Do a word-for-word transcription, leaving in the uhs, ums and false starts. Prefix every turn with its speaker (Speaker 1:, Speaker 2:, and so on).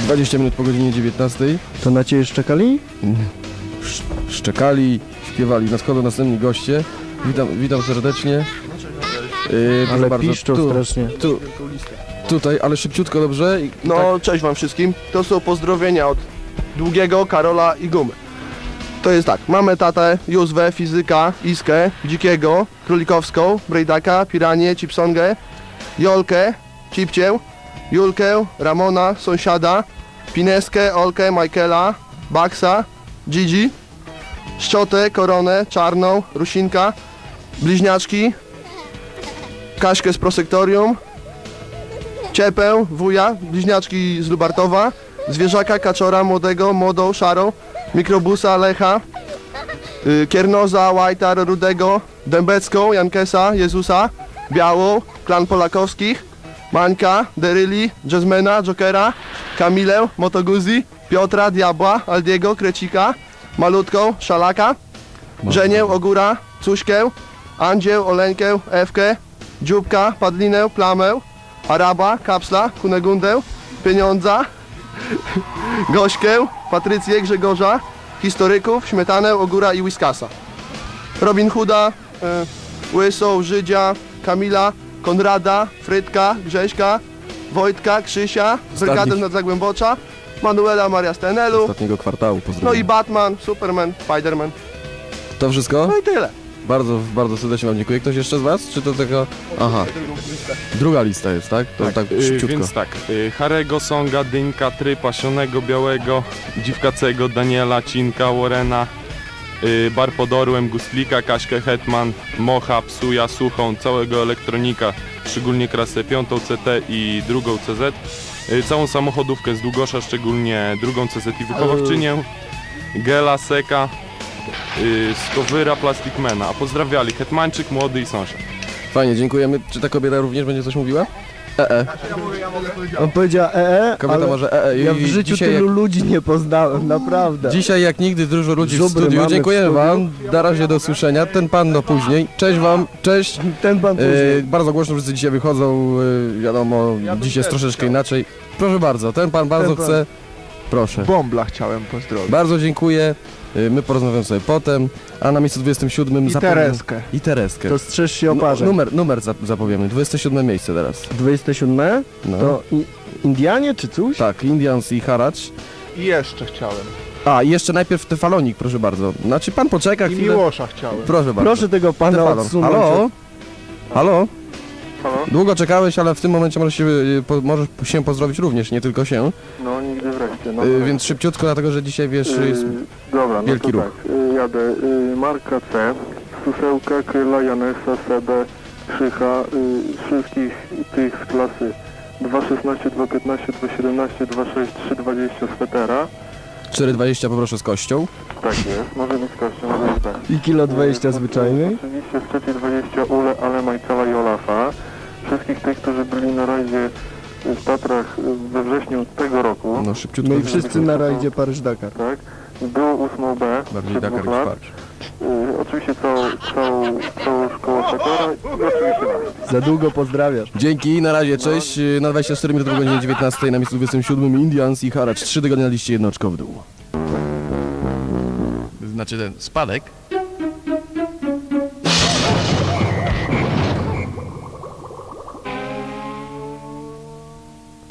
Speaker 1: dwadzieścia minut po godzinie dziewiętnastej.
Speaker 2: To na ciebie szczekali?
Speaker 1: Sz szczekali, śpiewali. Nadchodzą następni goście. Witam, witam serdecznie. Yy,
Speaker 2: Ale
Speaker 1: bardzo,
Speaker 2: piszczą
Speaker 1: tu,
Speaker 2: strasznie.
Speaker 1: tu, tutaj, ale szybciutko, dobrze? I
Speaker 3: No,
Speaker 1: tak,
Speaker 3: cześć wam wszystkim. To są pozdrowienia od Długiego, Karola i Gumy. To jest tak, mamy tatę, Józwę, Fizyka, Iskę, Dzikiego, Królikowską, Brejdaka, Piranię, Chipsongę, Jolkę, Cipcię, Julkę, Ramona, Sąsiada, Pineskę, Olkę, Michaela, Baksa, Gigi, Szczotę, Koronę, Czarną, Rusinka, Bliźniaczki, Kaśkę z Prosektorium, Ciepę, Wuja, Bliźniaczki z Lubartowa, Zwierzaka, Kaczora, Młodego, Młodą, Szarą, Mikrobusa, Lecha, y, Kiernoza, Łajtar, Rudego, Dębecką, Jankesa, Jezusa, Białą, Klan Polakowskich, Mańka, Deryli, Jazzmana, Jokera, Kamilę, Motoguzi, Piotra, Diabła, Aldiego, Krecika, Malutką, Szalaka, Żenię, Ogóra, Cuśkę, Andzieł, Oleńkę, Ewkę, Dzióbka, Padlinę, Plamę, Araba, Kapsla, Kunegundę, Pieniądza, Gośkę, Patrycję, Grzegorza, Historyków, Śmietanę, Ogóra i Whiskasa. Robin Hooda, y, Łysą, Żydzia, Kamila, Konrada, Frytka, Grześka, Wojtka, Krzysia, Brygadę nad Zagłębocza, Manuela Maria Stenelu,
Speaker 1: ostatniego kwartału,
Speaker 3: no
Speaker 1: pozdrawiam.
Speaker 3: i Batman, Superman, Spiderman.
Speaker 1: To wszystko?
Speaker 3: No i tyle.
Speaker 1: Bardzo, bardzo serdecznie wam dziękuję. Ktoś jeszcze z was? Czy to tylko... Aha. Druga lista jest, tak? To tak,
Speaker 4: Y,
Speaker 1: szybciutko.
Speaker 4: więc tak, y, Harego, Songa, Dynka, Trypa, Sionego, Białego, Dziwkacego, Daniela, Cinka, Warrena, y, Bar pod Orłem, Gustlika, Kaśkę, Hetman, Mocha, Psuja, Suchą, całego Elektronika, szczególnie klasę piątą C T i drugą C Z, y, całą samochodówkę z Długosza, szczególnie drugą C Z i Wychowawczynię, Gela, Seka, y, Skowyra, Plastikmana, a pozdrawiali Hetmańczyk, Młody i Sąsiad.
Speaker 1: Fajnie, dziękujemy. Czy ta kobieta również będzie coś mówiła? E, e.
Speaker 2: On powiedział ee,
Speaker 1: Kobieta
Speaker 2: ale
Speaker 1: może e, e.
Speaker 2: ja
Speaker 1: I
Speaker 2: w życiu
Speaker 1: dzisiaj
Speaker 2: tylu
Speaker 1: jak,
Speaker 2: ludzi nie poznałem, naprawdę.
Speaker 1: dzisiaj jak nigdy dużo ludzi w
Speaker 2: Żubry
Speaker 1: studiu.
Speaker 2: mamy w
Speaker 1: Dziękujemy
Speaker 2: studiu.
Speaker 1: wam. Na razie do usłyszenia. Ten pan do później. Cześć wam, cześć.
Speaker 2: Ten pan
Speaker 1: E,
Speaker 2: później.
Speaker 1: bardzo głośno wszyscy dzisiaj wychodzą. E, wiadomo, dziś jest troszeczkę inaczej. Proszę bardzo, ten pan bardzo
Speaker 2: Ten pan.
Speaker 1: chce. Proszę.
Speaker 5: Bombla chciałem pozdrowić.
Speaker 1: Bardzo dziękuję. E, my porozmawiamy sobie potem. A na miejscu dwudziestym siódmym
Speaker 5: I
Speaker 1: zapowiem-
Speaker 5: Tereskę.
Speaker 1: I Tereskę.
Speaker 2: To strzeż się o
Speaker 1: Nu-
Speaker 2: parze.
Speaker 1: numer, numer zap- zapowiemy. dwudzieste siódme miejsce teraz.
Speaker 2: dwudzieste siódme?
Speaker 1: No.
Speaker 2: To i, Indianie czy coś?
Speaker 1: Tak, Indians i Haracz.
Speaker 5: I jeszcze chciałem.
Speaker 1: A, i jeszcze najpierw Tefalonik, proszę bardzo. Znaczy pan poczeka
Speaker 5: I
Speaker 1: chwilę.
Speaker 5: Miłosza chciałem.
Speaker 1: Proszę bardzo.
Speaker 2: Proszę tego pana
Speaker 1: Tefalon.
Speaker 2: odsunąć.
Speaker 1: Halo? Halo?
Speaker 3: Halo?
Speaker 1: Długo czekałeś, ale w tym momencie możesz się, y, po, możesz się pozdrowić również, nie tylko się.
Speaker 3: No nigdy wreszcie. No,
Speaker 1: Y, więc szybciutko, dlatego że dzisiaj wiesz, jest...
Speaker 3: Dobra, no
Speaker 1: wielki
Speaker 3: to
Speaker 1: ruch.
Speaker 3: tak, y, jadę. Y, Marka C, Susełka, Kryla, Janesa, Sebę, Krzycha, y, wszystkich tych z klasy dwa szesnaście, dwa piętnaście, dwa siedemnaście, dwa sześć, trzy dwadzieścia Swetera.
Speaker 1: cztery dwadzieścia poproszę z kością.
Speaker 3: Tak jest, może być kościół, może być tak.
Speaker 2: I kilo dwadzieścia
Speaker 3: Y,
Speaker 2: zwyczajnej.
Speaker 3: Oczywiście z trzeciej dwadzieścia Ule, Ale, Majcala i Olafa. Wszystkich tych, którzy byli na rajdzie w Tatrach y, we wrześniu tego roku.
Speaker 1: No szybciutko.
Speaker 2: No i wszyscy na rajdzie Paryż-Dakar.
Speaker 3: Tak, było ósmą B,
Speaker 1: Bardziej
Speaker 3: przed
Speaker 1: Dakar
Speaker 3: dwóch
Speaker 1: niż
Speaker 3: lat.
Speaker 1: Paryż.
Speaker 3: Y, oczywiście całą, całą, całą szkołę Takara i oczywiście nas.
Speaker 2: Za długo pozdrawiasz.
Speaker 1: Dzięki, na razie, cześć. Y, Na dwadzieścia cztery minuty po godzinie dziewiętnastej na miejscu dwudziestym siódmym Indians i Haracz. Trzy tygodnie na liście jednoczko w dół.
Speaker 6: Znaczy ten spadek